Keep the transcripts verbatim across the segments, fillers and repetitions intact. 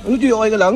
Ano, G? Okay ka lang?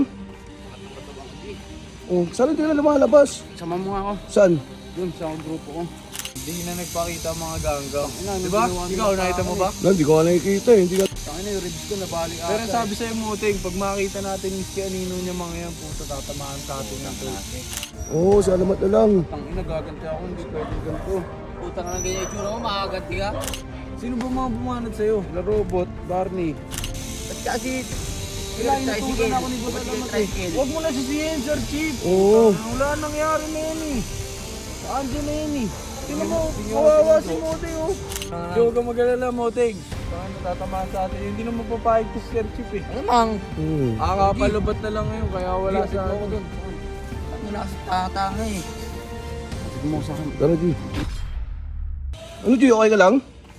Oh, saan hindi na lumalabas? Sama mo nga ako. Saan? Doon sa grupo ko. Hindi na nagpakita ang mga ganggang. Ina, Di ba? naginawa nila Ikaw, sa nakita mo akin ba? Lan, di ko nga nakikita eh. Hindi ka... Tangina yung ribs ko nabali ata. Pero sabi sa'yo, Muting, pag makita natin yung si Anino niya mga yan, puta, tatamaan sa atin ng to. Oo, oh, salamat na lang. Tangina gaganti ako, hindi pwede ganito. Puta ka ng ganyan yung tsura mo, makakaganti ka. Sino ba mga bumanat sa'yo? La Robot, Barney. Ba't kasi Kailangan tricycle? inutusan ako ni Boss Ba't kayo Alamat eh. tricycle? Huwag mo na sisihin, Sir Chief. Oo. Wala nangyari na yan eh. Saan dyan na yan eh? Tingnan mo, kawawa si Moting oh. Hindi huwag kang mag-alala, Moting. Saka natatamaan sa atin. Hindi naman papayag to Sir Chief eh. Ano mang? Hmm. Akakapalubat na lang ngayon, kaya wala sa ako atin. doon. Ang nasa tatanga eh. Sige mo sa akin. Tara, G. Ano, G? Okay ka lang?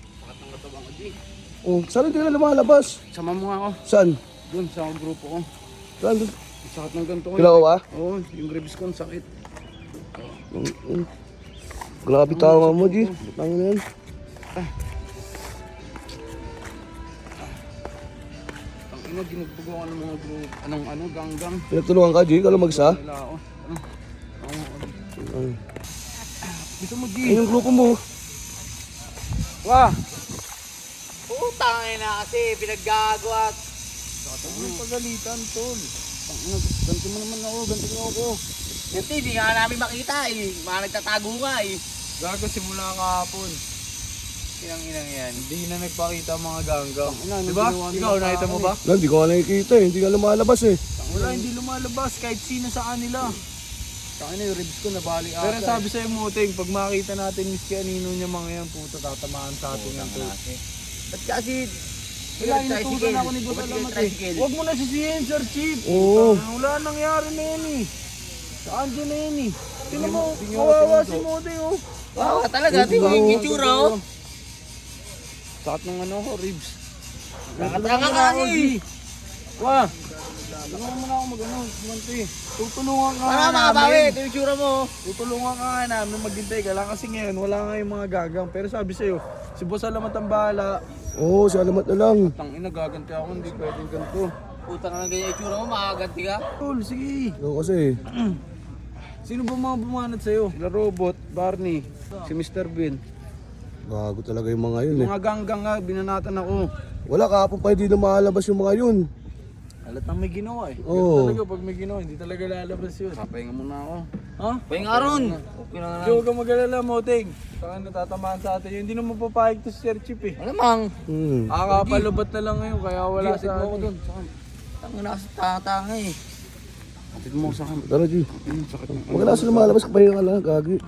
Oh, saan hindi na lumalabas? Sama mo nga ako. Saan? Doon sa grupo ko. Saan? doon? Ang sakit ng ganito ko. Kila ko ba? Oo, yung ribs ko ang sakit. Mm, mm. Grabe tama mo, G. Tama na yan. Ang ina, ginagbago ka ng mga group. Anong ano, ganggang. Pinagtulungan ka, G? Ikaw lang mag-isa? Nila ako. Ano? Ano? Ay. Gusto mo, G? Ay, yung grupo mo. Wah! Putang ina kasi, pinaggagawa. Ano yung pagalitan, tol? Ang ina, ganti mo naman ako, ganti mo ako. Ganti, hindi nga namin makita eh. Mga nagtatago nga eh. Gago simula kahapon. Sinang inang yan. Hindi na nagpakita ang mga ganggang. Ina, Di ba? ginawa nila Ikaw, sa nakita mo akin ba? Lan, di ko nga nakikita eh. Hindi ka lumalabas eh. Wala, hindi lumalabas kahit sino sa kanila. Tangina yung ribs ko nabali ata. Pero sabi sa'yo, Muting, pag makita natin yung si Anino niya mga yan, puta, tatamaan sa atin ng to. Ba't kasi Kailangan inutusan ako ni Boss Ba't kayo Alamat eh. tricycle? Huwag mo na sisihin, Sir Chief. Oo. Wala nangyari na yan eh. Saan dyan na yan eh? Tingnan mo, Tingnan mo, kawawa tingnan si mo. Moting oh. Wow, talaga, tingnan mo yung itsura oh. Sakit ng ano ko, ribs. Nakatanga ka eh. Wah! Tulungan mo na ako mag-ano, kumante. Tutulungan ka Para nga makabawi, namin. ito yung itsura mo. Tutulungan ka nga namin maghintay ka lang kasi ngayon wala nga yung mga gagang. Pero sabi sa'yo, si Boss Alamat ang bahala. Oo, salamat na lang. Tangina, gaganti ako, hindi pwedeng ganito. Puta ka ng ganyan yung itsura mo, makakaganti ka. Tol, sige. Ikaw kasi Sino ba mga bumanat sa'yo? Sila Robot, Barney, si Mister Bean. gago talaga yung mga yun eh. Mga ganggang nga, binanatan ako. Wala kahapon pa hindi na makalabas yung mga yun. Halatang may ginawa eh. Oo. Ganun talaga pag may ginawa, hindi talaga lalabas yun. Papahinga muna ako. Ha? Pahing aron. Okay na nga Hindi huwag kang mag-alala, Moting. Saka natatamaan sa atin yun. Hindi naman papayag to si Sir Chief eh. Ano mang? Hmm. Akakapalubat na lang ngayon, kaya wala Sige, sa atid mo ako atin. doon. Saka, Ang nasa tatanga eh. atid mo sa akin. Tara, G. Sakit ng Huwag ka na sa lumalabas, kapahinga ka lang, gagi.